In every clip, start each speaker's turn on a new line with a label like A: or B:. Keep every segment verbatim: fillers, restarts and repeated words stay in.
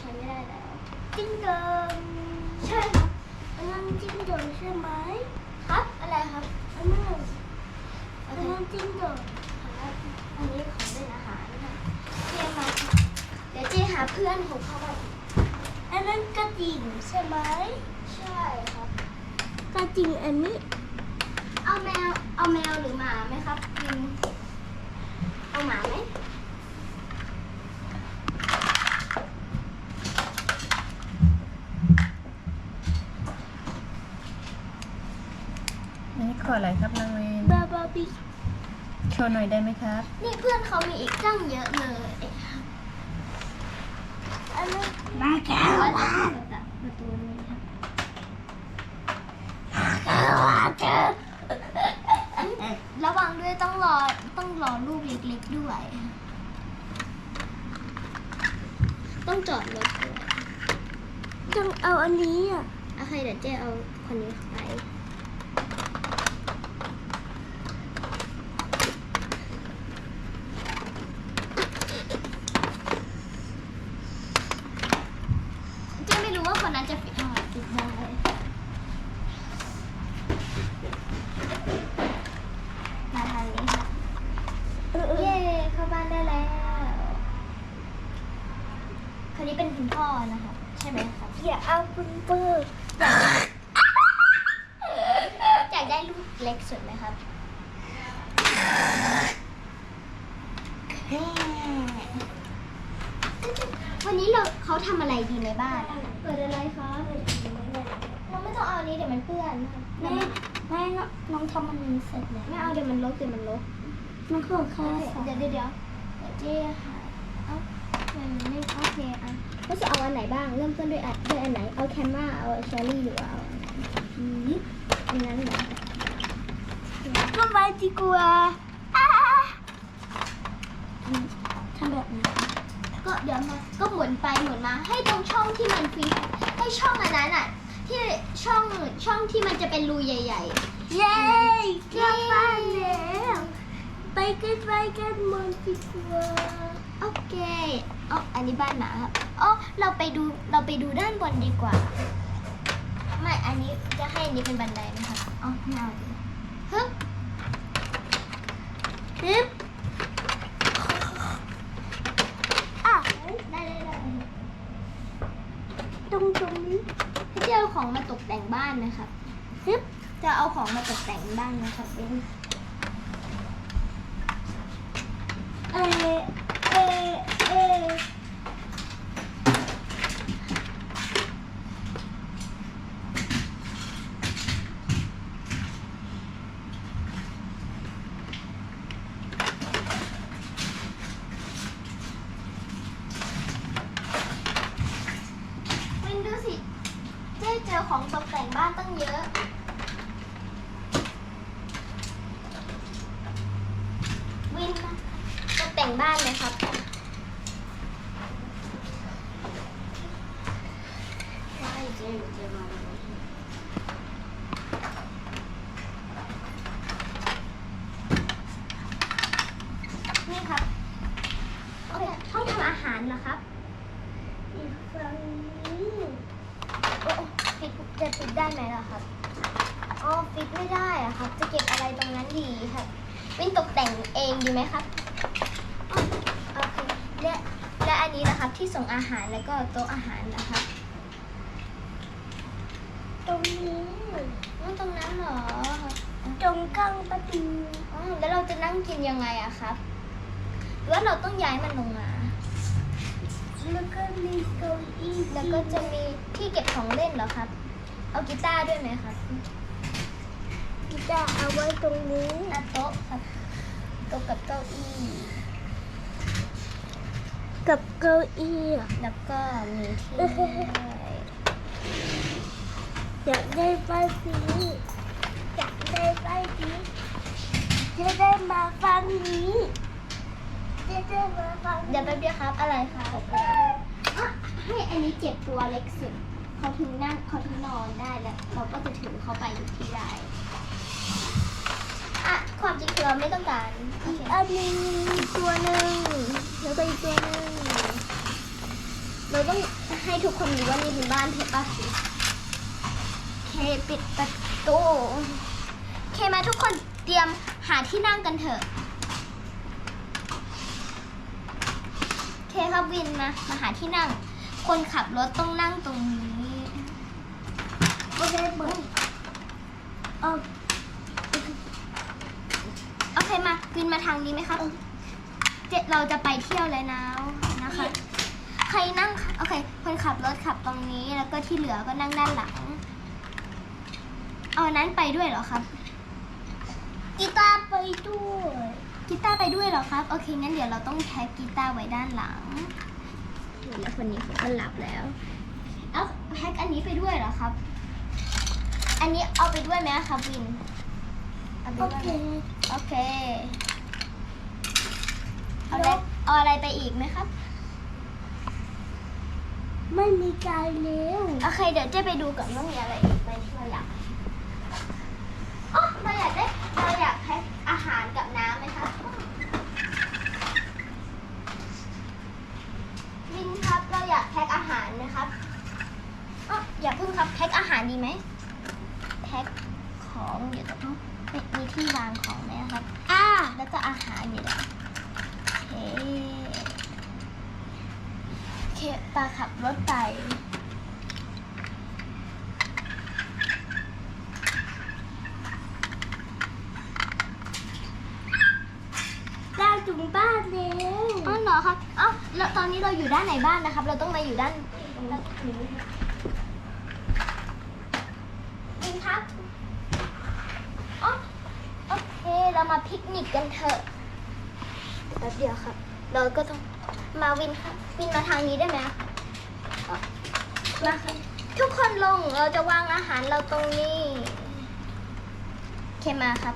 A: ช้ไม่ได้แล้ว
B: จิ้งจก
A: ใช่ครับ
B: อันนั้นจิ้งจกใช่ไหม
A: ครับอะไรครับ
B: อันนั้น
A: โอ
B: อัน
A: เค
B: นั้นจิ้งจก
A: ครับอันนี้ของเล่นอาหารนะคะเจ๊มาเดี๋ยวเจ๊หาเพื่อนของเขาไป
B: อันนั้นกระดิ่งใช่ไหม
A: ใช่ครับ
B: กระดิ่งอันนี้
A: เอาแมวเอาแมวหรือหมาไหมครับวินเอาหมาไหม
C: นี่ขออะไรครับนางเวน
B: บาบาบี
C: โชว์หน่อยได้ไหมครับ
A: นี่เพื่อนเขามีอีกตั้งเยอะเลย
B: อันนั้นมาแก้ว
A: ว่า
B: ว่า
A: จะเปิดประตูนี้ครับ
B: แก้วว่าเจอ
A: ระวังด้วยต้องรอต้องรอลูกเล็กๆด้วย ต้องจอดรถด้วย
B: ต้องเอาอันนี้อ่ะ
A: โอเคเดี๋ยวเจ๊เอาคนนี้ไปเจ๊ไม่รู้ว่าคนนั้นจะปิดอ่าปิดได้มาทางนี้ค่ะ
B: เออเออ
A: เย้เข้าบ้านได้แล้วคนนี้เป็นคุณพ่อนะคะใช่ไหมครับ
B: อย่าเอาคุณเปิด
A: อยากได้ลูกเล็กสุดไหมครับ
B: แค่
A: วันนี้เราเขาทำอะไรดีในบ้านอะเปิดอะไรคะ เราไม่ต้องเอาอันนี้เดี๋ยวมันเปื้อนนะคะ
B: แม่แม่น้องทำมันนี้เสร็จแล้ว
A: ไม่เอาเดี๋ยวมันลกเดี๋ยวมันลก
B: มันก็แค่
A: โอเค
B: สอง
A: เดี๋ยวเดี๋ยวเดี๋ยวเดี๋ยวเจ๊หาเอ้ามันไม่โอเคอ่ะก็จะเอาอันไหนบ้าง เริ่มต้นด้วยอันด้วยอันไหน เอาแคมมาเอาเชอรี่หรือว่าเอาอันไหนอืมอันนั้นเหรอ
B: ก็ไปดีกว่าอ่าทำแบบนี้
A: ก็เดี๋ยวมาก็หมุนไปหมุนมา ให้ตรงช่องที่มันฟีให้ช่องอันนั้นอ่ะ ที่ช่องช่องที่มันจะเป็นรูใหญ่ ๆ
B: เย้กลับบ้านแล้วไปกันไปกันหมดดีกว่า
A: โอเคอ๋ออันนี้บ้านหมาครับอ๋อเราไปดู เราไปดูด้านบนดีกว่า ไม่ อันนี้จะให้อันนี้เป็นบันไดไหมครับอ๋อไม่เอาดีฮึบ
B: ฮึบอ่ะ
A: ได้ได้ได้
B: ตรงตรงนี้
A: จะเอาของมาตกแต่งบ้านนะครับ
B: ฮึบ
A: จะเอาของมาตกแต่งบ้านนะครับเป็น
B: เอเอเอ
A: วินดูสิ เจ๊เจอของตกแต่งบ้านตั้งเยอะ วินมาตกแต่งบ้านไหมครับ ใช่เจ๊เจ๊มาแล้วนี่ครับโอเคห้องทำอาหารเหรอครับ
B: อีกฝั่งนี้
A: โอ้ปิดจะปิดได้ไหมล่ะครับ อ๋อปิดไม่ได้อะครับ จะเก็บอะไรตรงนั้นดีครับวินตกแต่งเองดีไหมครับอ๋อโอเคและและอันนี้นะครับที่ส่งอาหารแล้วก็โต๊ะอาหารนะครับ
B: ตรงนี้
A: อ๋อตรงนั้นเหรอ
B: ตรงข้างประตู
A: อ๋อแล้วเราจะนั่งกินยังไงอะครับหรือว่าเราต้องย้ายมันลงมา
B: แล้วก็มีเก้าอี้
A: แล้วก็จะมีที่เก็บของเล่นเหรอครับ เอากีตาร์ด้วยไหมครับ
B: จะเอาไว้ตรงนี้
A: อ่ะโต๊ะครับโต๊ะกับเก้าอี้
B: กับเก้าอี้อะ
A: แล้วก็มีที่ด้วย
B: อยากได้ไฟสีอยากได้ไฟสีจะได้มาฟังนี้จะได้มาฟัง
A: เดี๋ยวแป๊บเดียวครับ อะไรครับอ่ะให้อันนี้เจ็บตัวเล็กสุด เขาถึงนั่งเขาถึงนอนได้แล้ว เราก็จะถือเขาไปทุกที่ได้ อ่ะ ความจริงคือเราไม่ต้องการโอเค
B: อันนี้อีกตัวหนึ่งแล้วก็อีกตัวหนึ่ง
A: รเราต้องให้ทุกคนรู้ว่านี่เป็นบ้านเธอป่ะเคปิดประตูเคมาทุกคนเตรียมหาที่นั่งกันเถอะเคครับวินมามาหาที่นั่ง คนขับรถต้องนั่งตรงนี้
B: โอเคเปิดเอา
A: โอเคมาวินมาทางนี้ไหมครับเจเราจะไปเที่ยวเลยนะนะคะ ใครนั่งโอเคคนขับรถขับตรงนี้แล้วก็ที่เหลือก็นั่งด้านหลังเอานั้นไปด้วยเหรอครับ
B: กีตาร์ไปด้วย
A: กีตาร์ไปด้วยเหรอครับโอเคงั้นเดี๋ยวเราต้องแพ็คกีตาร์ไว้ด้านหลังแล้วคนนี้เขาก็หลับแล้วเอาแพ็คอันนี้ไปด้วยเหรอครับ อันนี้เอาไปด้วยไหมครับวินเอาไป
B: โอ
A: ด้วย
B: เค
A: ไหมโอเคเอาอะไรเอาอะไรไปอีกไหมครับ
B: ไม่มีการเลี้ยว
A: โอเคเดี๋ยวเจ๊ไปดูก่อนว่ามีอะไรอีกไหมที่เราอยากอ๋อเราอยากได้เราอยากแพ็คอาหารกับน้ำไหมคะวินครับเราอยากแพ็คอาหารไหมครับอ๋ออย่าเพิ่งครับแพ็คอาหารดีไหมแพ็คของเดี๋ยวต้องมีที่วางของไหมครับอ่าแล้วก็อาหารอยู่แล้วโอเคโอเคปาขับรถไป
B: ได้ถึงบ้านแล้ว
A: อ๋อเหรอครับเอ้าแล้วตอนนี้เราอยู่ด้านไหนบ้านนะครับ เราต้องมาอยู่ด้านด้านนี้จริงครับอ๋อโอเค เรามาพิกนิกกันเถอะแป๊บเดียวครับ เราก็ต้องมาวินครับวินมาทางนี้ได้ไหมครับอ๋อมาครับทุกคนลง เราจะวางอาหารเราตรงนี้โอเคมาครับ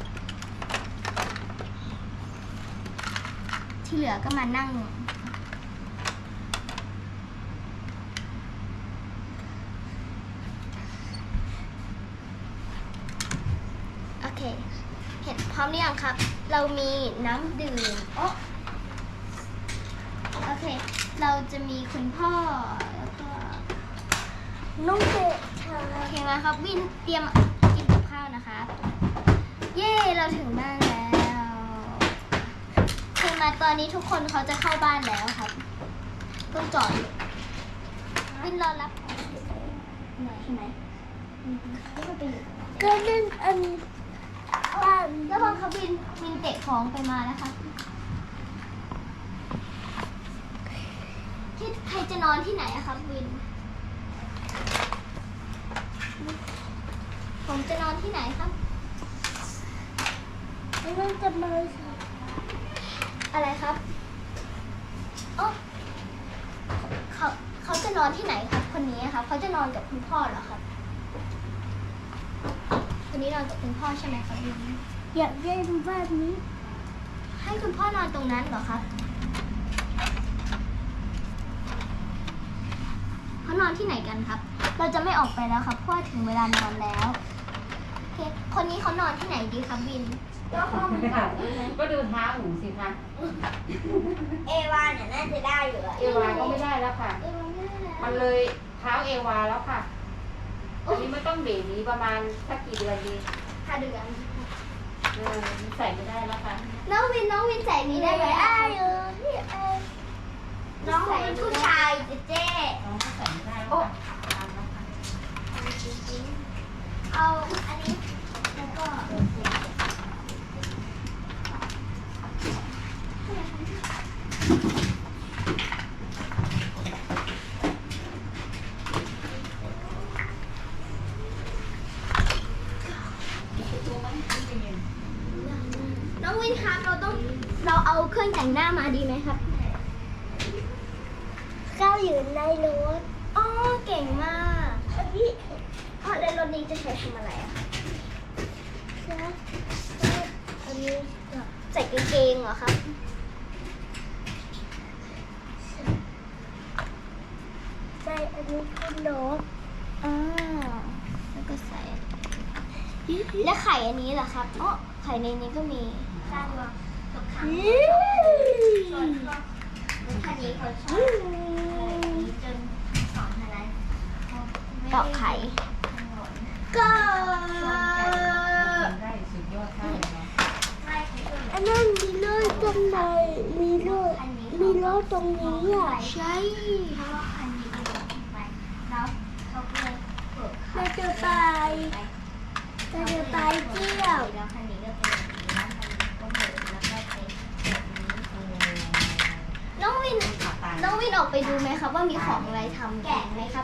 A: ที่เหลือก็มานั่ง โอเค เห็นพร้อมหรือยังครับ เรามีน้ำดื่มโอะโอเค เราจะมีคุณพ่อ แล้วก็
B: น้องเด็กชา
A: โอยเคมาครับ วินเตรียมกินกับข้าวนะคะเย้ เราถึงบ้านแล้วคือมาตอนนี้ทุกคนเขาจะเข้าบ้านแล้วครับ ต้องจอดอยู่วินรอรับไหนใช่ไหมอืมแล้วมันไปอยู่
B: ก็เล่นอันบ้าน
A: แล้วพอเขาวินวินเตะของไปมาแล้วครับที่ใครจะนอนที่ไหนอะครับวิน ผมจะนอนที่ไหนครับ
B: แล้วมันจะมา
A: อะไรครับโอ้เขาเขาจะนอนที่ไหนครับ คนนี้ครับเขาจะนอนกับคุณพ่อเหรอครับ คนนี้นอนกับคุณพ่อใช่ไหมครับวิน
B: อยากเล่นบ้านนี้
A: ให้คุณพ่อนอนตรงนั้นเหรอครับเขานอนที่ไหนกันครับ เราจะไม่ออกไปแล้วครับเพราะว่าถึงเวลานอนแล้วโอเคคนนี้เขานอนที่ไหนดีครับวิน
B: ก็ห้องเก่าไหม
D: ก็ดูเท้าหนูสิคะ
B: เอวาเนี่ยน่าจะได้อยู่อะ
D: เอวาก็ไม่ได้แล้วค่ะ
A: เอวไม่ได้แล้ว
D: มันเลยเท้าเอวาแล้วค่ะ อันนี้ไม่ต้องเบบีประมาณสักกี่เดือนดี
A: ห้าเดือน
D: เออใส่ไม่ได้แล้วค่ะ
A: น้องวินน้องวินใส่นี้ได้ไหม
B: ได้
A: อ่ะ
B: อยู่พี่เอน้องเป็นผู้ชายเจ๊เจ๊
D: น้องก็ใส่ไม่ได้แล้วค่ะตามแล้วค่ะ
A: เอาอันนี้แล้วก็น้องวินครับเราต้องเราเอาเครื่องแต่งหน้ามาดีไหมครับ
B: เข้าอยู่ในรถ
A: อ๋อเก่งมาก
B: อันนี้
A: อ๋อแล้วรถนี้จะใช้ทำอะไรอะคะ
B: นะอันนี้ก็
A: ใส่กางเกงเหรอครับ
B: ใส่อันนี้ขึ้นรถ
A: อ่าแล้วก็ใส่ และไข่อันนี้เหรอครับอ๋อไข่ในนี้ก็มีข้าวกับข้าว
B: อืม
A: ส่วนก็คันนี้เขาชอบ
B: อืมถตรงไหนมีรถมีรถตรงนี้อ่ะ
A: ใช่เพราะว่าคันนี้เป็นรถไปแล้วเขาก็เลยเปิด
B: เราจะไปเราจะไปเที่ยว
A: แล้วคันนี้ก็เป็นอย่างนี้แล้วคันนี้ก็เปิดแล้วก็ไปแบบนี้น้องวินน้องวินออกไปดูไหมครับว่ามีของอะไรทำแกะไหมครับ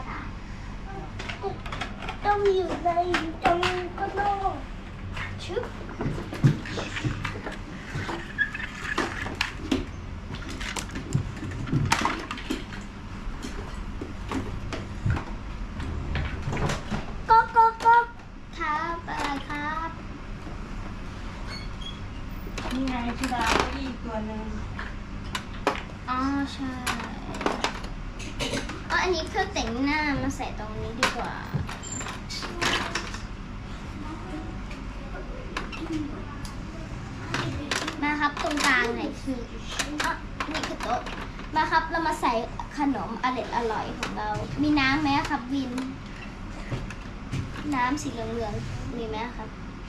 B: ต้องอยู่ในตรงก็นอก
A: ชึบ
B: ก็ก็ก็
A: ครับอะไรครับ
C: นี่ไงชิดาอีกตัวหนึ่ง
A: อ๋อใช่อ๋ออันนี้เครื่องแต่งหน้ามาใส่ตรงนี้ดีกว่า มาครับตรงกลางไหนคืออ่ะนี่คือโต๊ะมาครับเรามาใส่ขนมอร่อยอร่อยของเรา มีน้ำไหมครับวิน น้ำสีเหลืองๆมีไหมครับ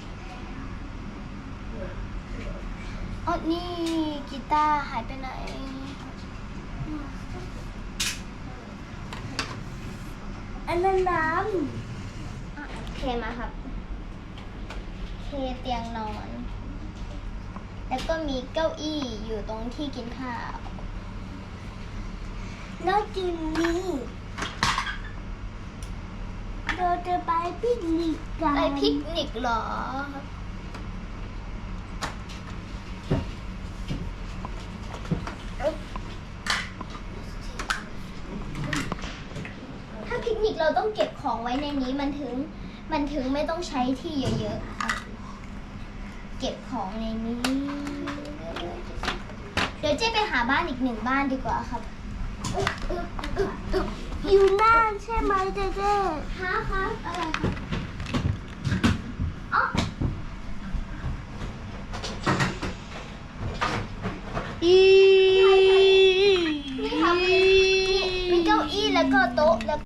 A: อ๋อนี่กีตาร์หายไปไหน
B: อันนั้นน้
A: อ่ะเคมาครับ เคเตียงนอน แล้วก็มีเก้าอี้อยู่ตรงที่กินข้าว
B: ำแล้วจุดนี้เราจะไปปิกนิกกัน
A: ไปพิกนิกเหรอ ถ้าพิกนิกเราต้องเก็บของไว้ในนี้มันถึงมันถึงไม่ต้องใช้ที่เยอะๆครับเก็บของในนี้ เดี๋ยวเจ๊ไปหาบ้านอีกหนึ่งบ้านดีกว่าครับอึ๊บอึ๊บอึ๊บอึ๊บ
B: อยู่นั่นใช่ไหมเจ๊เจ๊
A: หาครับ